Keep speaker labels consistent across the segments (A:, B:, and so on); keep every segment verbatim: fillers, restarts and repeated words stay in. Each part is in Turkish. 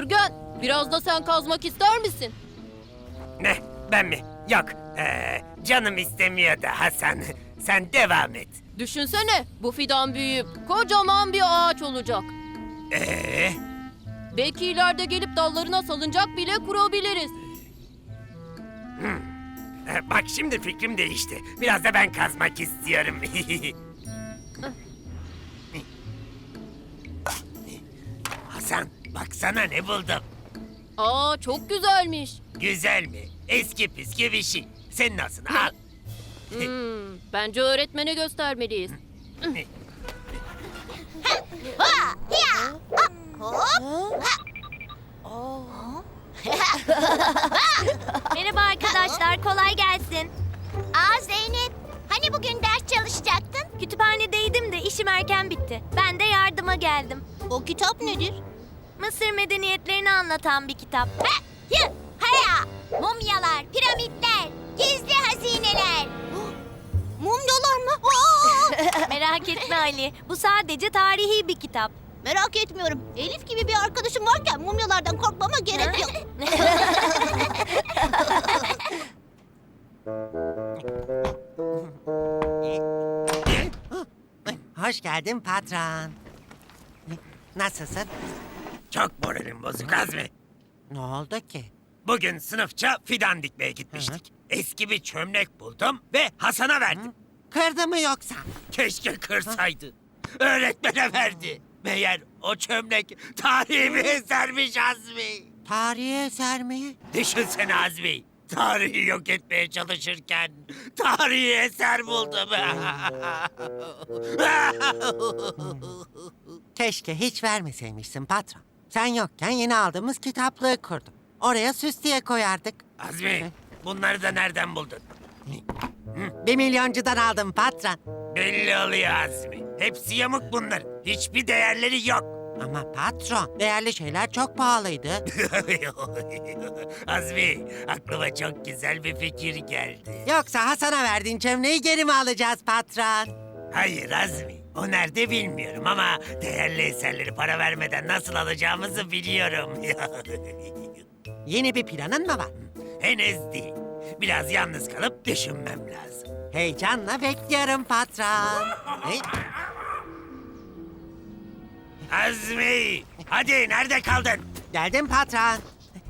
A: Gürgen, biraz da sen kazmak ister misin?
B: Ne? Ben mi? Yok. Ee, canım istemiyor da Hasan. Sen devam et.
A: Düşünsene, bu fidan büyüyüp kocaman bir ağaç olacak.
B: Ee,
A: Belki ileride gelip dallarına salıncak bile kurabiliriz.
B: e, bak şimdi fikrim değişti. Biraz da ben kazmak istiyorum. Hasan, baksana ne buldum.
A: Aa, çok güzelmiş.
B: Güzel mi? Eski püskü bir şey. Senin olsun, al.
A: Hmm, bence öğretmene göstermeliyiz.
C: Merhaba arkadaşlar, kolay gelsin.
D: Aa Zeynep, hani bugün ders çalışacaktın?
C: Kütüphanedeydim de işim erken bitti. Ben de yardıma geldim.
D: O kitap nedir?
C: Mısır medeniyetlerini anlatan bir kitap.
D: Ha, yı, haya, mumyalar, piramitler, gizli hazineler. Mumyalar mı? Aa!
C: Merak etme Ali, bu sadece tarihi bir kitap.
D: Merak etmiyorum. Elif gibi bir arkadaşım varken mumyalardan korkmama gerek yok.
E: Hoş geldin patron. Nasılsın?
B: Çok moralim bozuk Azmi.
E: Ne oldu ki?
B: Bugün sınıfça fidan dikmeye gitmiştik. Eski bir çömlek buldum ve Hasan'a verdim.
E: Kırdı mı yoksa?
B: Keşke kırsaydı. Öğretmene verdi. Meğer o çömlek tarihi bir esermiş Azmi.
E: Tarihi eser mi?
B: Düşünsene Azmi. Tarihi yok etmeye çalışırken tarihi eser buldum.
E: Keşke hiç vermeseymişsin patron. Sen yokken yeni aldığımız kitaplığı kurdum. Oraya süs diye koyardık.
B: Azmi, bunları da nereden buldun?
E: Bir milyoncudan aldım patron.
B: Belli oluyor Azmi. Hepsi yamuk bunlar. Hiçbir değerleri yok.
E: Ama patron, değerli şeyler çok pahalıydı.
B: Azmi, aklıma çok güzel bir fikir geldi.
E: Yoksa Hasan'a verdiğin çömleği geri mi alacağız patron?
B: Hayır Azmi, o nerede bilmiyorum ama değerli eserleri para vermeden nasıl alacağımızı biliyorum.
E: Yeni bir planın mı var?
B: Henüz değil. Biraz yalnız kalıp düşünmem lazım.
E: Heyecanla bekliyorum patron. Hey,
B: Azmi, hadi nerede kaldın?
E: geldim patron.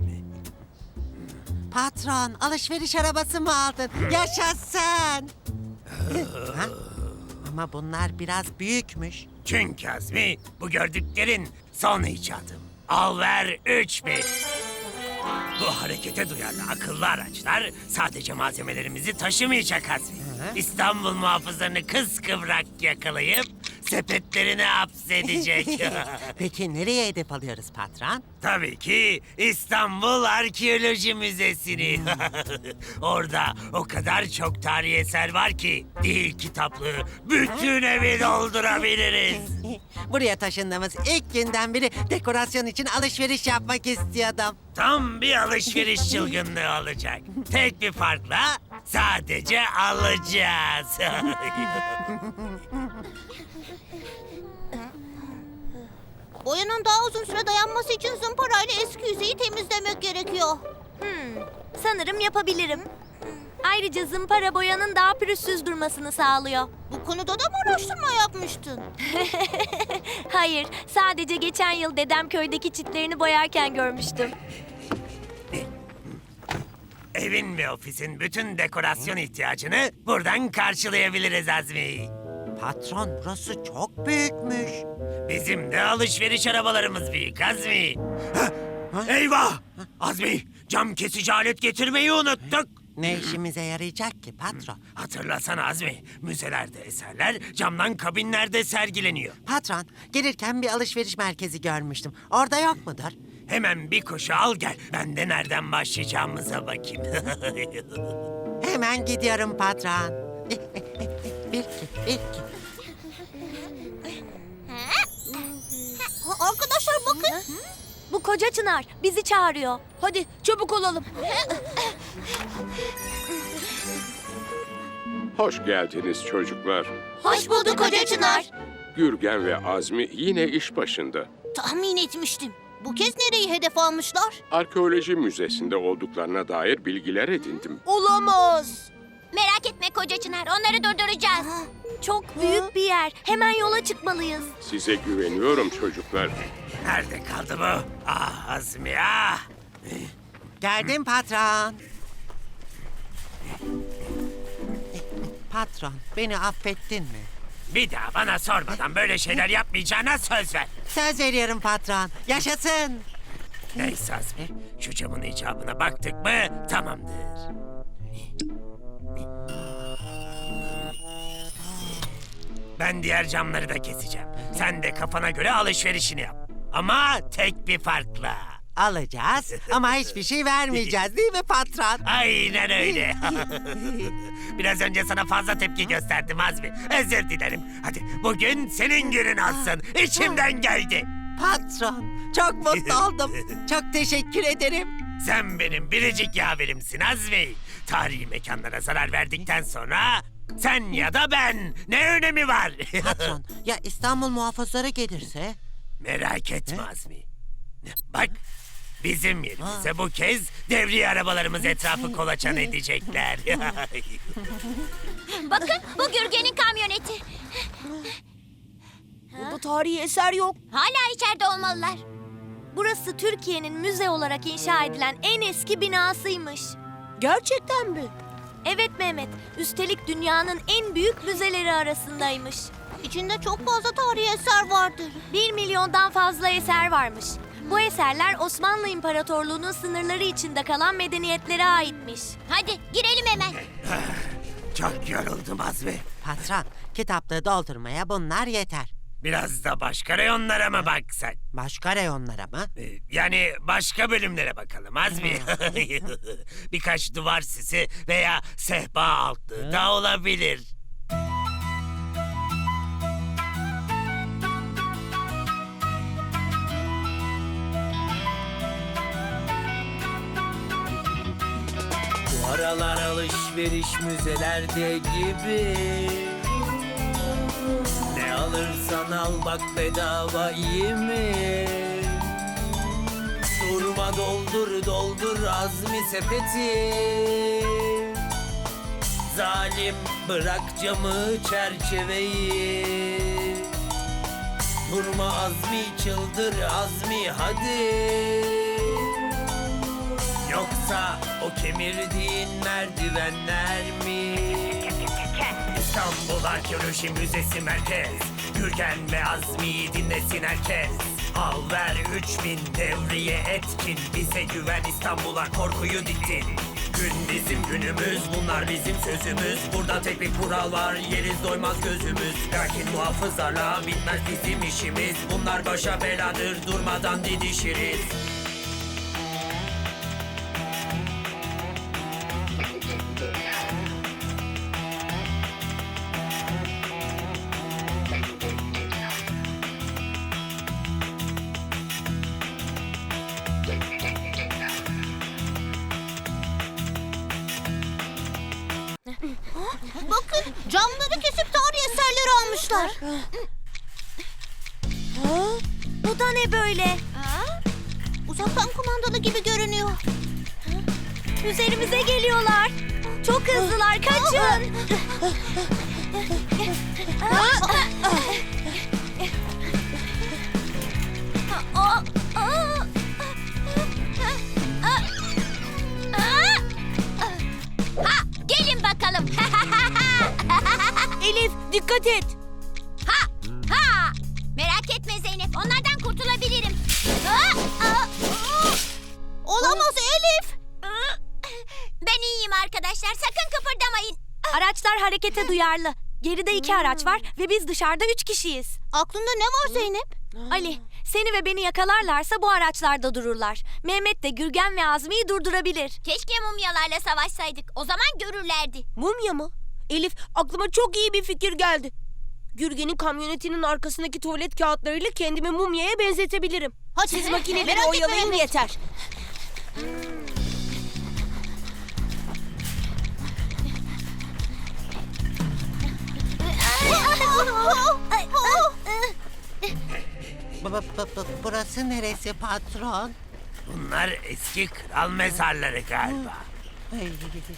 E: Patron, alışveriş arabası mı aldın? Yaşasın. Ha? Ama bunlar biraz büyükmüş.
B: Çünkü Azmi, bu gördüklerin son icadım. Al ver üç bin. Bu harekete duyarlı akıllı araçlar sadece malzemelerimizi taşımayacak Azmi. İstanbul muhafızlarını kıskıvrak yakalayıp sepetlerine hapsedecek.
E: Peki nereye hedef alıyoruz patron?
B: Tabii ki İstanbul Arkeoloji Müzesi'ni. Orada o kadar çok tarihi eser var ki değil kitaplığı bütün evi doldurabiliriz.
E: Buraya taşındığımız ilk günden beri dekorasyon için alışveriş yapmak istiyordum.
B: Tam bir alışveriş çılgınlığı olacak. Tek bir farkla sadece alacağız.
D: Boyanın daha uzun süre dayanması için zımparayla eski yüzeyi temizlemek gerekiyor.
C: Hmm, sanırım yapabilirim. Ayrıca zımpara boyanın daha pürüzsüz durmasını sağlıyor.
D: Bu konuda da mı araştırma yapmıştın?
C: Hayır, sadece geçen yıl dedem köydeki çitlerini boyarken görmüştüm.
B: Evin ve ofisin bütün dekorasyon ihtiyacını buradan karşılayabiliriz Azmi.
E: Patron, burası çok büyükmüş.
B: Bizim de alışveriş arabalarımız büyük Azmi. Hah! Eyvah! Azmi, cam kesici alet getirmeyi unuttuk.
E: Ne işimize yarayacak ki patron?
B: Hatırlasana Azmi, müzelerde eserler camdan kabinlerde sergileniyor.
E: Patron, gelirken bir alışveriş merkezi görmüştüm. Orada yok mudur?
B: Hemen bir koşu al gel. Ben de nereden başlayacağımıza bakayım.
E: Hemen gidiyorum patron. Bir, iki, bir, iki.
D: Ha, arkadaşlar bakın.
C: Bu koca çınar bizi çağırıyor.
A: Hadi çabuk olalım.
F: Hoş geldiniz çocuklar.
D: Hoş bulduk Hoca Çınar.
F: Gürgen ve Azmi yine iş başında.
D: Tahmin etmiştim. Bu kez nereyi hedef almışlar?
F: Arkeoloji müzesinde olduklarına dair bilgiler edindim.
D: Olamaz.
C: Merak etme koca Çınar, onları durduracağız. Çok büyük bir yer. Hemen yola çıkmalıyız.
F: Size güveniyorum çocuklar.
B: Nerede kaldı bu? Ah Azmi ah!
E: Geldim patron. Patron, beni affettin mi?
B: Bir daha bana sormadan böyle şeyler yapmayacağına söz ver.
E: Söz veriyorum patron. Yaşasın.
B: Neyse Azmi, şu camın icabına baktık mı tamamdır. Ben diğer camları da keseceğim. Sen de kafana göre alışverişini yap. Ama tek bir farkla.
E: Alacağız ama hiçbir şey vermeyeceğiz değil mi patron?
B: Aynen öyle. Biraz önce sana fazla tepki gösterdim Azmi. Özür dilerim. Hadi bugün senin günün olsun. İçimden geldi.
E: Patron, çok mutlu oldum. Çok teşekkür ederim.
B: Sen benim biricik yaverimsin Azmi. Tarihi mekanlara zarar verdikten sonra sen ya da ben ne önemi var?
E: Patron, ya İstanbul muhafızları gelirse?
B: Merak etme Azmi. Bak bizim yerimize bu kez devriye arabalarımız etrafı kolaçan edecekler.
C: Bakın, bu Gürgen'in kamyoneti.
D: Burada tarihi eser yok.
C: Hala içeride olmalılar. Burası Türkiye'nin müze olarak inşa edilen en eski binasıymış.
D: Gerçekten mi?
C: Evet Mehmet, üstelik dünyanın en büyük müzeleri arasındaymış.
D: İçinde çok fazla tarihi eser vardır.
C: Bir milyondan fazla eser varmış. Bu eserler Osmanlı İmparatorluğu'nun sınırları içinde kalan medeniyetlere aitmiş. Hadi girelim hemen.
B: Çok yoruldum Azmi.
E: Patron, kitaplığı doldurmaya bunlar yeter.
B: Biraz da başka reyonlara mı baksak?
E: Başka reyonlara mı?
B: Ee, Yani başka bölümlere bakalım Azmi. Birkaç duvar sisi veya sehpa altlığı da olabilir.
G: Bu aralar alışveriş müzelerde gibi. Ne alırsan al bak bedava iyi mi? Durma doldur doldur Azmi sepeti. Zalim bırak camı çerçeveyi. Durma Azmi çıldır Azmi hadi. Yoksa o kemirdiğin merdivenler mi?
B: İstanbul Arkeoloji Müzesi Merkez. Gürgen ve Azmi'yi dinlesin herkes. Al ver üç bin devriye etkin. Bize güven İstanbul'a korkuyu diktin. Gün bizim günümüz, bunlar bizim sözümüz. Burada tek bir kural var, yeriz doymaz gözümüz. Lakin muhafızlarla bitmez bizim işimiz. Bunlar başa beladır, durmadan didişiriz.
D: Bakın camları kesip tarihi eserleri almışlar.
C: Bu da ne böyle?
D: Uzaktan kumandalı gibi görünüyor.
C: Üzerimize geliyorlar. Çok hızlılar, kaçın. Ha, gelin bakalım.
D: Elif dikkat et.
C: Ha, ha. Merak etme Zeynep, onlardan kurtulabilirim. Ha, ha.
D: Olamaz Elif.
C: Ben iyiyim arkadaşlar, sakın kıpırdamayın. Araçlar harekete duyarlı. Geride iki araç var ve biz dışarıda üç kişiyiz.
D: Aklında ne var Zeynep?
C: Ali, seni ve beni yakalarlarsa bu araçlarda dururlar. Mehmet de Gürgen ve Azmi'yi durdurabilir. Keşke mumyalarla savaşsaydık. O zaman görürlerdi.
H: Mumya mı? Elif, aklıma çok iyi bir fikir geldi. Gürgen'in kamyonetinin arkasındaki tuvalet kağıtlarıyla kendimi mumyaya benzetebilirim.
D: Hadi.
H: Siz makineleri
D: Merak etme
H: oyalayın
D: Mehmet.
H: yeter.
E: Bu- bu- bu- bu- burası neresi patron?
B: Bunlar eski kral mezarları galiba.
E: Ay,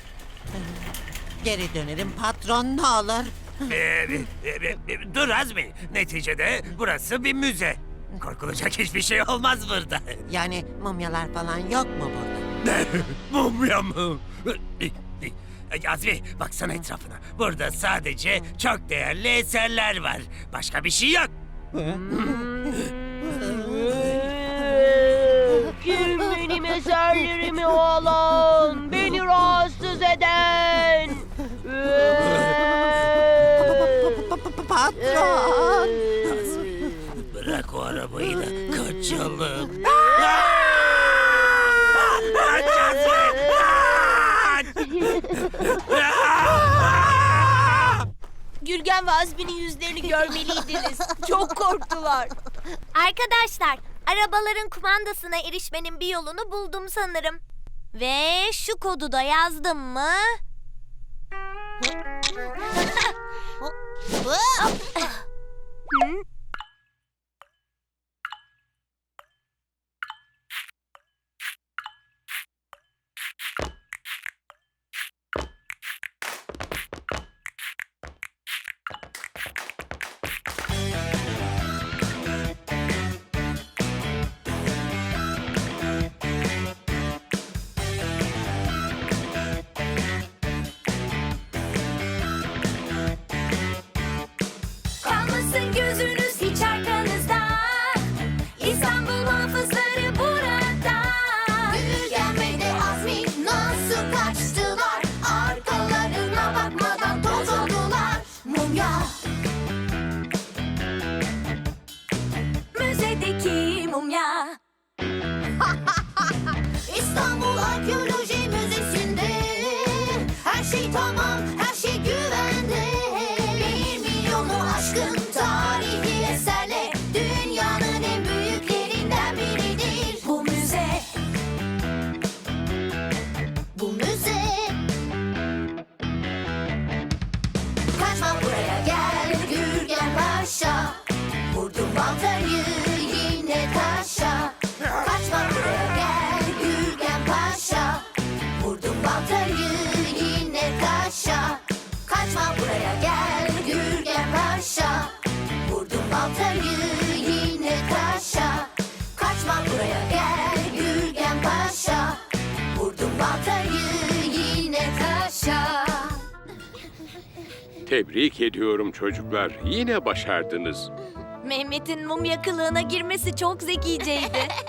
E: Geri dönerim patron ne olur.
B: Ee, e, e, e, dur Azmi. Neticede burası bir müze. Korkulacak hiçbir şey olmaz burada.
E: Yani mumyalar falan yok mu burada?
B: Ne? Mumya mı? E, Azmi baksana etrafına. Burada sadece çok değerli eserler var. Başka bir şey yok.
H: Kim benim eserlerimi alan, beni rahatsız eden?
E: Pa- pa- pa- Patron.
B: Bırak o arabayı da kaçalım. Kaç Azmi!
H: Gürgen ve Azmi'nin yüzlerini görmeliydiniz. Çok korktular.
C: Arkadaşlar, arabaların kumandasına erişmenin bir yolunu buldum sanırım. Ve şu kodu da yazdım mı? Kalmasın gözünüz hiç arkanızda. İstanbul muhafızları burada.
D: Gürgen ve de Azmi nasıl kaçtılar? Arkalarına bakmadan toz oldular. Mumya.
C: Müzedeki mumya.
D: İstanbul Arkeoloji Müzesi'nde her şey tamam, her şey güvende. Bir milyonu aşkın tarihi eserle dünyanın en büyüklerinden biridir. Bu müze, bu müze. Kaçma buraya gel Gürgen Paşa, vurdum baltayı yine taşa. Kaçma buraya gel Gürgen Paşa, vurdum baltayı yine taşa. Kaçma buraya gel Gürgen Paşa, vurdum baltayı yine taşa. Kaçma buraya gel Gürgen Paşa, vurdum baltayı yine taşa.
F: Tebrik ediyorum çocuklar. Yine başardınız.
C: Mehmet'in mumya kılığına girmesi çok zekiceydi.